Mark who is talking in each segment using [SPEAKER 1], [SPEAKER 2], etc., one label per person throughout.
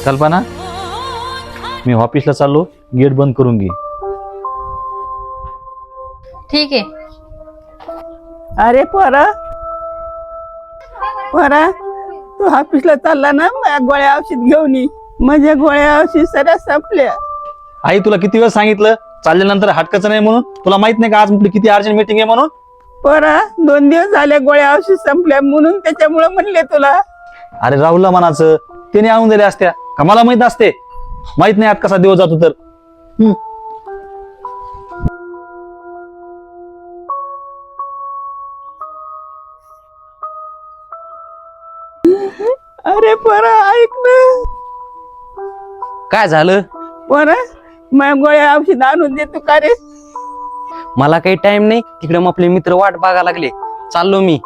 [SPEAKER 1] कल्पना, मी ऑफिसला चाललो, गेट बंद करून घे.
[SPEAKER 2] ठीक आहे.
[SPEAKER 3] अरे पोरा तू ऑफिसला चालला ना, माझ्या गोळ्या औषध घेऊन ये. माझ्या गोळ्या औषध सगळ्या संपल्या.
[SPEAKER 1] आई तुला किती वेळ सांगितलं चालल्यानंतर हटकाचं नाही म्हणून? तुला माहित नाही का आज आपली किती अर्जंट मीटिंग आहे म्हणून?
[SPEAKER 3] पोरा 2 दिवस झाले गोळ्या औषध संपल्या म्हणून त्याच्यामुळे म्हणले तुला.
[SPEAKER 1] अरे राहुलला म्हणाचं, त्याने आणून दिल्या असत्या का? मला माहित असते? माहित नाही आज कसा दिवस जातो तर.
[SPEAKER 3] अरे पोरा ऐक ना.
[SPEAKER 4] काय झालं?
[SPEAKER 3] पोरा माझ्या गोळ्या औषध आणून देतो का रे?
[SPEAKER 4] मला काही टाइम नाही, तिकडे मग आपले मित्र वाट बघायला लागले, चाललो मी.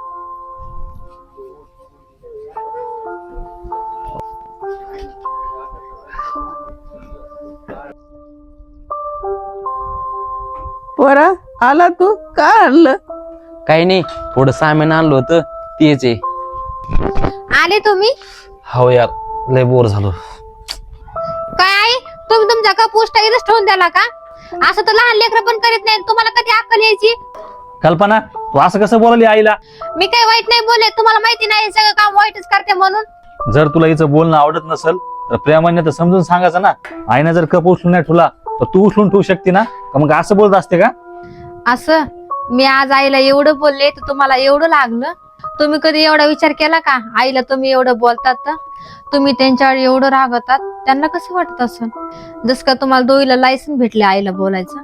[SPEAKER 3] पोरा आला तू? का आणलं?
[SPEAKER 4] काही नाही, थोडं सामान आणलं होतं तेच आहे.
[SPEAKER 2] आले तुम्ही?
[SPEAKER 1] हो यार, लय बोर झालो.
[SPEAKER 2] काय आई, तुम्ही तुमचा का पोस्ट इथंच ठेवून द्याला का? असं तर लहान लेकरं पण करीत नाही. तुम्हाला कधी अक्कल यायची?
[SPEAKER 1] कल्पना, तू असं कसं बोलली आईला?
[SPEAKER 2] मी काही वाईट नाही बोलले, तुम्हाला माहिती नाही सगळं काम वाईटच करते म्हणून.
[SPEAKER 1] जर तुला हिचं बोलणं आवडत नसेल तर प्रेमाने तर समजून सांगायचं ना. आईने जर कप उचलून नाही ठेवला तर तू उचलून ठेवू शकते ना? का मग असं बोलत असते का?
[SPEAKER 2] असं मी आज आईला एवढं बोलले तर तुम्हाला एवढं लागलं? तुम्ही कधी एवढा विचार केला का? आईला तुम्ही एवढं बोलतात तर तुम्ही त्यांच्यावर एवढं रागवतात, त्यांना कसं वाटत असं? जस का तुम्हाला दोघीला लायसन भेटले आईला बोलायचं.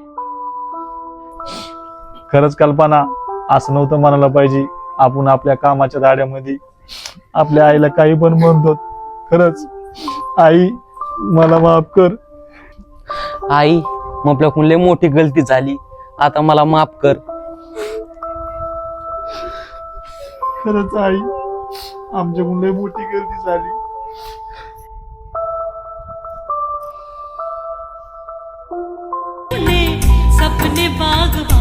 [SPEAKER 1] खरंच कल्पना, असं नव्हतं म्हणायला पाहिजे. आपण आपल्या कामाच्या दाड्यामध्ये आपल्या आईला काही पण म्हणतो. खरंच आई, मला माफ कर.
[SPEAKER 4] आई, मग आपल्याकडून लय मोठी गलती झाली, आता मला माफ कर.
[SPEAKER 1] खरंच आई, आमच्याकडून लय मोठी गलती झाली.
[SPEAKER 5] सपने बाग